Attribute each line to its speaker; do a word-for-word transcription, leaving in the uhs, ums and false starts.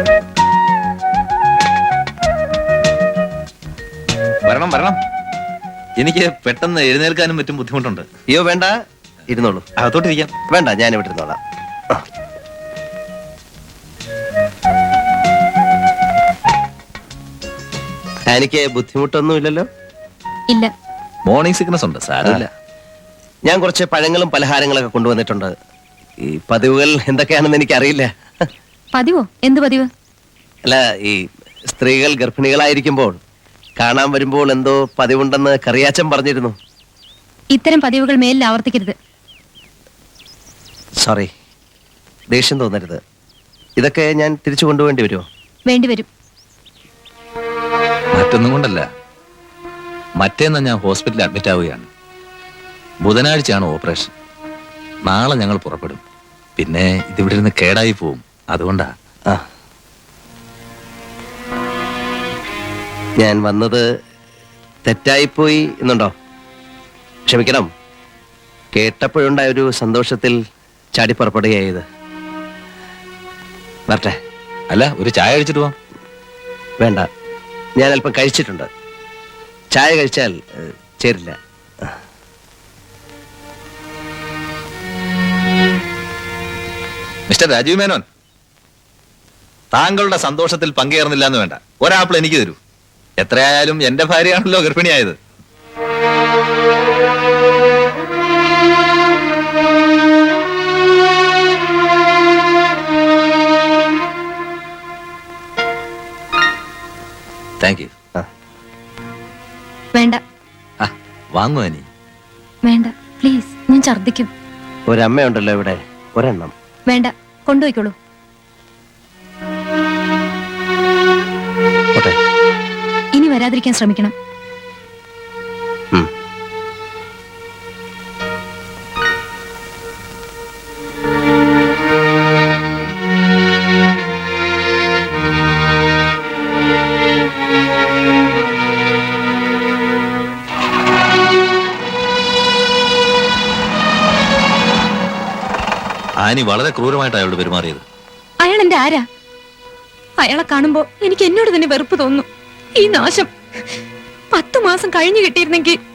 Speaker 1: വരണം വരണം. എനിക്ക് പെട്ടെന്ന് എഴുന്നേൽക്കാനും പറ്റും ബുദ്ധിമുട്ടുണ്ട്.
Speaker 2: അയ്യോ വേണ്ട, ഇരുന്നോളൂ.
Speaker 1: അകത്തോട്ടിരിക്കാം.
Speaker 2: വേണ്ട, ഞാൻ ഇവിടെ ഇരുന്നോളാം. എനിക്ക് ബുദ്ധിമുട്ടൊന്നും ഇല്ലല്ലോ?
Speaker 3: ഇല്ല.
Speaker 1: മോർണിംഗ് സിക്നസ് ഉണ്ട്, സാരമില്ല.
Speaker 2: ഞാൻ കുറച്ച് പഴങ്ങളും പലഹാരങ്ങളൊക്കെ കൊണ്ടുവന്നിട്ടുണ്ട്. ഈ പതിവുകൾ എന്തൊക്കെയാണെന്ന് എനിക്കറിയില്ല.
Speaker 3: പതിവോ? എന്ത് പതിവ്?
Speaker 2: അല്ല, ഈ സ്ത്രീകൾ ഗർഭിണികളായിരിക്കുമ്പോൾ കാണാൻ വരുമ്പോൾ എന്തോ പതിവുണ്ടെന്ന് കറിയാച്ചൻ പറഞ്ഞിരുന്നു.
Speaker 3: ഇത്തരം പതിവുകൾ മേലിൽ ആവർത്തിക്കരുത്.
Speaker 2: സോറി, ദേഷ്യം തോന്നരുത്. ഇതൊക്കെ ഞാൻ തിരിച്ചു കൊണ്ടുപോകേണ്ടി വരുമോ?
Speaker 3: വേണ്ടിവരും.
Speaker 1: മറ്റൊന്നും കൊണ്ടല്ല, മറ്റേന്ന് ഞാൻ ഹോസ്പിറ്റലിൽ അഡ്മിറ്റ് ആവുകയാണ്. ബുധനാഴ്ചയാണ് ഓപ്പറേഷൻ. നാളെ ഞങ്ങൾ പുറപ്പെടും. പിന്നെ ഇതിവിടെ ഇരുന്ന് കേടായി പോവും, അതുകൊണ്ടാ.
Speaker 2: ആ, ഞാൻ വന്നത് തെറ്റായിപ്പോയി എന്നുണ്ടോ? ക്ഷമിക്കണം. കേട്ടപ്പോഴുണ്ടായ ഒരു സന്തോഷത്തിൽ ചാടിപ്പുറപ്പെടുകയായത്. വരട്ടെ.
Speaker 1: അല്ല, ഒരു ചായ കഴിച്ചിട്ട് പോവാം.
Speaker 2: വേണ്ട, ഞാൻ അല്പം കഴിച്ചിട്ടുണ്ട്. ചായ കഴിച്ചാൽ ഏഹ്, ചേരില്ല.
Speaker 1: മിസ്റ്റർ രാജീവ് മേനോൻ, താങ്കളുടെ സന്തോഷത്തിൽ പങ്കുചേർന്നില്ല എന്ന് വേണ്ട. ഒരാപ്പിൾ എനിക്ക് തരൂ. എത്രയായാലും എന്റെ ഭാര്യയാണല്ലോ ഗർഭിണിയായത്. Thank you.
Speaker 3: വേണ്ട.
Speaker 1: വാങ്ങുവാ നീ?
Speaker 3: വേണ്ട പ്ലീസ്, ഞാൻ ഛർദ്ദിക്കും.
Speaker 2: ഒരമ്മയുണ്ടല്ലോ ഇവിടെ, ഒരെണ്ണം.
Speaker 3: വേണ്ട, കൊണ്ടുപോയിക്കോളൂ.
Speaker 2: ഓട്ടെ.
Speaker 3: ഇനി വരാതിരിക്കാൻ ശ്രമിക്കണം.
Speaker 2: ഉം.
Speaker 1: ആനി വളരെ ക്രൂരമായിട്ട് അയാളോട് പെരുമാറിയത്.
Speaker 3: അയാൾ എന്റെ ആരാ? അയാളെ കാണുമ്പോ എനിക്ക് എന്നോട് തന്നെ വെറുപ്പ് തോന്നുന്നു. ഈ നാശം പത്തു മാസം കഴിഞ്ഞു കിട്ടിയിരുന്നെങ്കിൽ